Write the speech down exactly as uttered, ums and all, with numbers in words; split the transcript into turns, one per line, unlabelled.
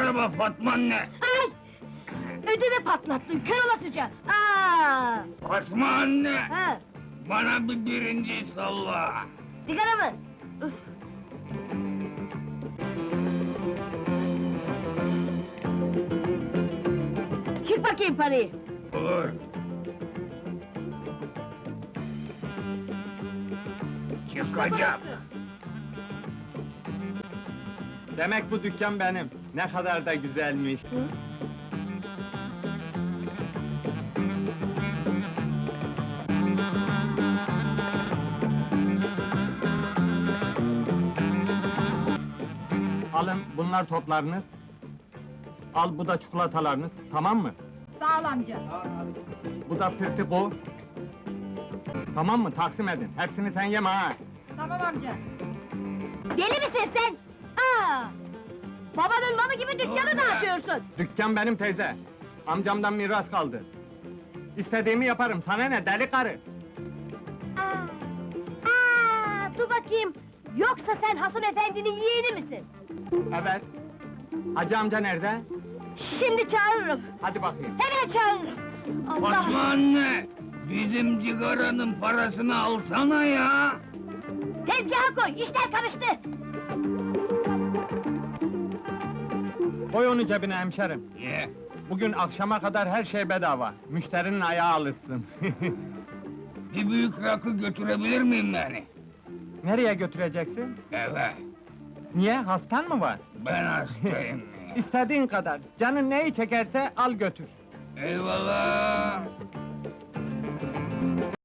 araba Fatma anne!
Ay! Ödümü patlattın, kör olasıca! Aa!
Fatma anne!
Ha!
Bana bir birinci salla!
Sigara mı? Üf! Çık bakayım parayı!
Olur! Çıkacağım!
Demek bu dükkan benim. Ne kadar da güzelmiş. Alın, bunlar toplarınız. Al, bu da çikolatalarınız, tamam mı?
Sağ ol amca.
Bu da fırtıko. Tamam mı? Taksim edin. Hepsini sen yeme ha!
Tamam amca.
Deli misin sen? Aa! Babanın malı gibi dükkanı
Dur be!
dağıtıyorsun!
Dükkan benim teyze. Amcamdan miras kaldı. İstediğimi yaparım, sana ne deli karı?
Aa! Aa! Dur bakayım! Yoksa sen Hasan efendinin yeğeni misin?
Evet. Hacı amca nerede?
Şimdi çağırırım!
Hadi bakayım.
Hemen çağırırım! Allah!
Fatma anne! Bizim cigaranın parasını alsana ya!
Tezgaha koy, işler karıştı!
Koy onu cebine hemşerim.
Ye!
Bugün akşama kadar her şey bedava. Müşterinin ayağı alışsın.
Bir büyük rakı götürebilir miyim yani?
Nereye götüreceksin?
Eve!
Niye, hastan mı var?
Ben hastayım!
İstediğin kadar, canın neyi çekerse al götür.
Eyvallah!